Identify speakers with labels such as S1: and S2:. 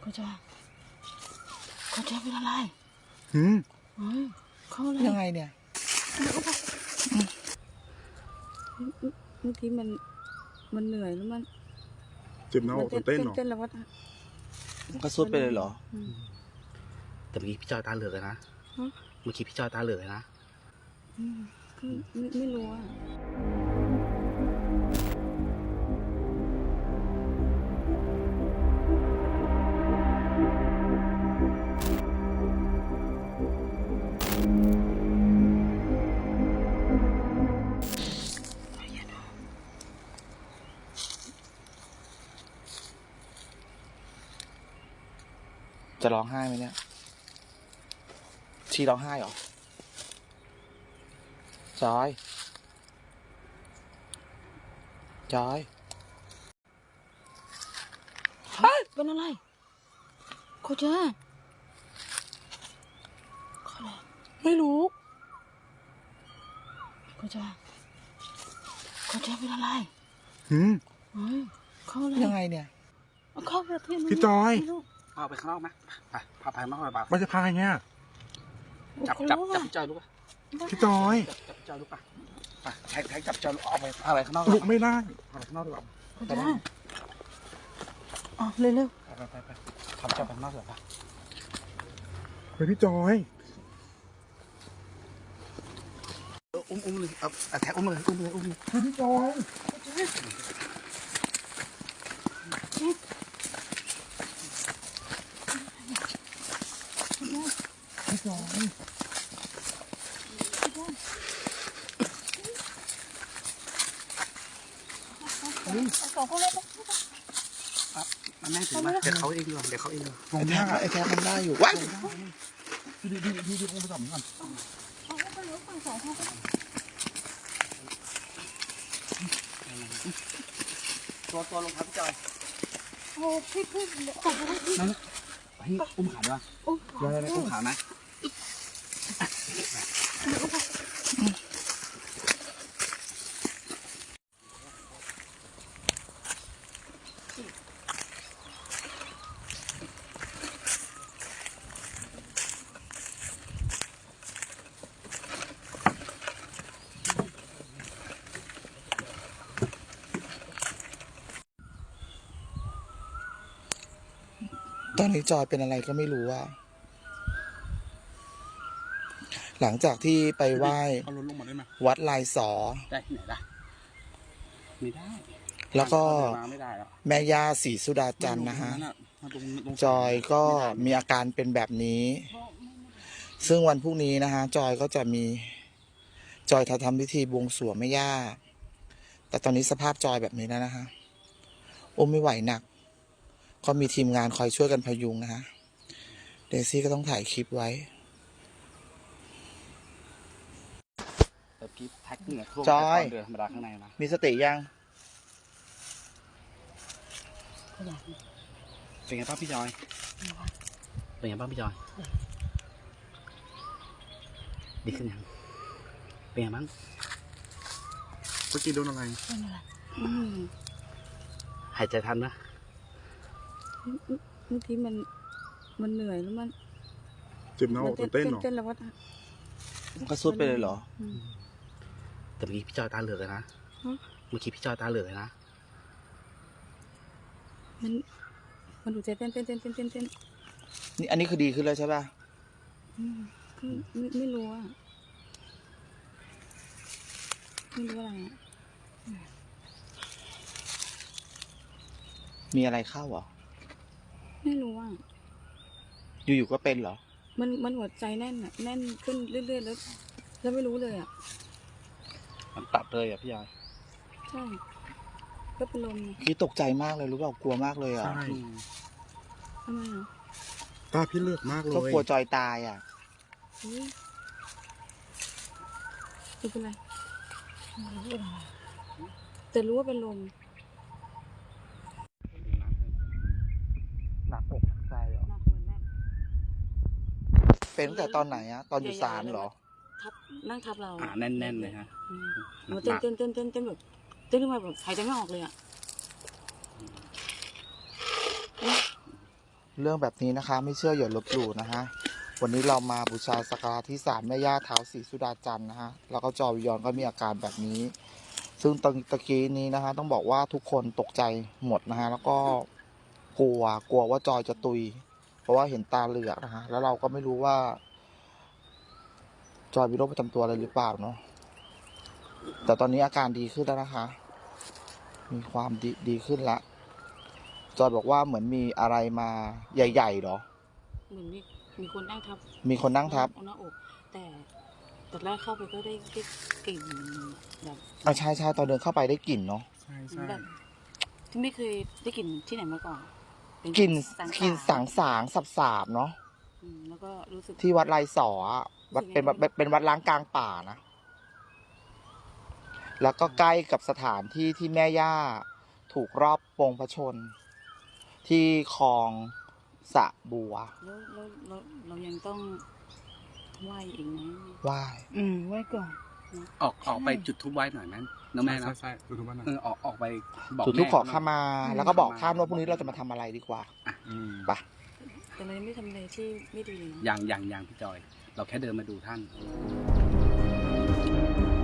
S1: เขาจะเป็นอะไรเขาอะไร
S2: ยังไงเนี่ย
S1: เมื่อกี้มันเหนื่อยแล้วมัน
S3: เจ็บหน้าอกเต้นหรอ
S1: เต้นแล้วว่า
S2: มันก็ซุดไปเลยเหรอ
S4: แต่เมื่อกี้พี่จอยตาเหลือกเลยนะเมื่อกี้พี่จอยตาเหลือกเลยนะ
S1: ไม่รู้อ่ะ
S2: จะร้องไห้ไหมเนี่ยชีร้องไห้เหรอจอย
S1: เฮ้ยเป็นอะไรเขาจะอะไร
S2: ไม่รู้
S1: เขาจะเป็นอะไรเขาอะไร
S2: ยังไงเนี่ย
S1: เขาประเทศ
S3: พี่จอย
S4: พาไปข้างนอกไหมพาไปข้างนอกหน่อยป่ะ
S3: ไม่จะพาไงเนี่ย
S4: จับพี่จอยลูกป่ะ
S3: พี่จอย
S4: จับพี่จอยลูกป่ะแท็กจับพี่จอยเอาไปอะไรข้างนอก
S3: ลุกไม่ได้
S4: เอาไปข้างนอกดีกว่า
S1: ไปได้อ๋อเร็ว
S4: ไปทำจับไปข้างนอกดีกว่าป่ะ
S3: ไปพี่จอย
S4: อุ้มเลยเอาแท็กอุ้มเลย
S3: พี่จอยพี่จอย
S4: มันแม่ถึงมาเดี๋ยวเขาเองดีกว่า
S2: ไอ้แท้มันได้อยู่ว้าย
S3: พี่คงไปจับมันก่อน
S4: ตัวลงครับพี่จอย
S1: โอ้พี่
S4: นั่นพี่อุ้มขาด้วยอุ้มขาไหม
S2: ตอนนี้จอยเป็นอะไรก็ไม่รู้ว่าหลังจากที่ไปไหว้วัดลายสอ
S4: ได้ที่ไหนล่ะไม่ได้
S2: แล้วก็แม่ย่าศรีสุดาจันทร์นะฮะจอยก็มีอาการเป็นแบบนี้ซึ่งวันพรุ่งนี้นะฮะจอยก็จะมีจอยทำพิธีบวงสรวงแม่ย่าแต่ตอนนี้สภาพจอยแบบนี้แล้วนะฮะไม่ไหวหนักก็มีทีมงานคอยช่วยกันพยุงนะฮะเดซี่ก็ต้องถ่ายคลิปไว้
S4: แต่พี่แท็กเนี่ย
S2: จอย
S4: เดินธรรมดาข้างในนะ
S2: มีสติยัง
S4: เป็นไงบ้างพี่จอยเป็นไงบ้างพี่จอยดีขึ้นยังเป็นไงบ้าง
S3: เมื่อกี้โดนอะไร
S4: หายใจทันนะ
S1: เมื่อกี้มันเหนื่อยแล้วมัน
S3: เจ็บหน้าอกเต้นหรอ
S1: เต้นแล้วว่า
S2: มันก็ซุดไปเลยเหรอ
S4: แต่เมื่อกี้พี่จอยตาเหลือกเลยนะเมื่อกี้พี่จอยตาเหลือกเลยนะ
S1: มันดูใจเต้น
S2: นี่อันนี้คือดีขึ้นแล้วใช่ป่ะ
S1: ไม่รู้อ่ะไม่รู้อะไรอ่ะ
S2: มีอะไรเข้าเหรอ
S1: ไม่รู้อ่ะ
S2: อยู่ๆก็เป็นเหรอ
S1: มันหัวใจแน่นอ่ะแน่นขึ้นเรื่อยๆแล้วไม่รู้เลยอ่ะ
S4: มันตัดเลยอ่ะพี่จอย
S1: ใช่ก็เป็นลม
S2: คิดตกใจมากเลยรู้เปล่ากลัวมากเลยอ่ะ
S3: ใช่
S1: ทำไมอ่ะ
S3: ตาพี่เลือดมากเลย
S2: ก็กลัวจอยตายอ่ะ
S1: ไม่เป็นไรแต่รู้ว่าเป็นลม
S2: หนักอกหนักใจเหรอเป็นตั้งแต่ตอนไหนอะตอนอยู่ศาลเหรอ
S1: นั่งทับเรา
S4: แน่นๆเลยฮะ
S1: เต้นแบบเต้นขึ้นมาแบบหายใจไม่ออกเลยอ่ะ
S2: เรื่องแบบนี้นะคะ ไม่เชื่ออย่าลบหลู่นะฮะวันนี้เรามาบูชาสักการะที่ศาลแม่ย่าท้าวศรีสุดาจันทร์นะฮะแล้วก็จอวิยอนก็มีอาการแบบนี้ ซึ่งตะกี้นี้นะฮะต้องบอกว่าทุกคนตกใจหมดนะฮะแล้วก็กลัวว่าจอยจะตุย เพราะว่าเห็นตาเหลือกนะฮะแล้วเราก็ไม่รู้ว่า จอยมีโรคประจำตัวอะไรหรือเปล่าเนาะแต่ตอนนี้อาการดีขึ้นแล้วนะคะ มีความดีขึ้นละจอยบอกว่าเหมือนมีอะไรมาใหญ่ๆเหรอ
S1: เหมือนมีคนนั่งทับ
S2: มีคนนั่งทับ
S1: เอาหน้าอกแต่ตอนแรกเข้าไปก็ได้กลิ่นแบบ
S2: ใช่ตอนเดินเข้าไปได้กลิ่นเนาะ
S3: ใช่ใช่
S1: แบบที่ไม่เคยได้กลิ่นที่ไหนมาก่อนเป็
S2: กลิ่น
S1: สาง
S2: สางสาบๆเนาะ
S1: แล้วก็รู้สึก
S2: ที่วัดไรสออะวัดเป็นวัดล้างกลางป่านะ แล้วก็ใกล้กับสถานที่ที่แม่ย่าถูกรอบปงพระชน ที่คลองสะบัว
S1: แล้วเรายังต้องไหว้อีกไหม
S2: ไหว้
S1: ไหว้ก่อน
S4: ออกไปจุดทูบไว้หน่อยนั้นนะแม่
S3: ใช่
S4: นะ
S3: ใช่ดูทุกวันนะ
S4: ออกไปบอก
S2: จุดธูป
S4: แม่
S2: ขอขมา แล้วก็บอกท่านว่าพรุ่งนี้เราจะมาทำอะไรดีกว่า
S3: อืม
S2: ไป
S1: แต่เรายังไม่ทำอะไรที่ไม่ดีเลยนะ
S4: อย่างพี่จอย เราแค่เดินมาดูท่าน
S2: เ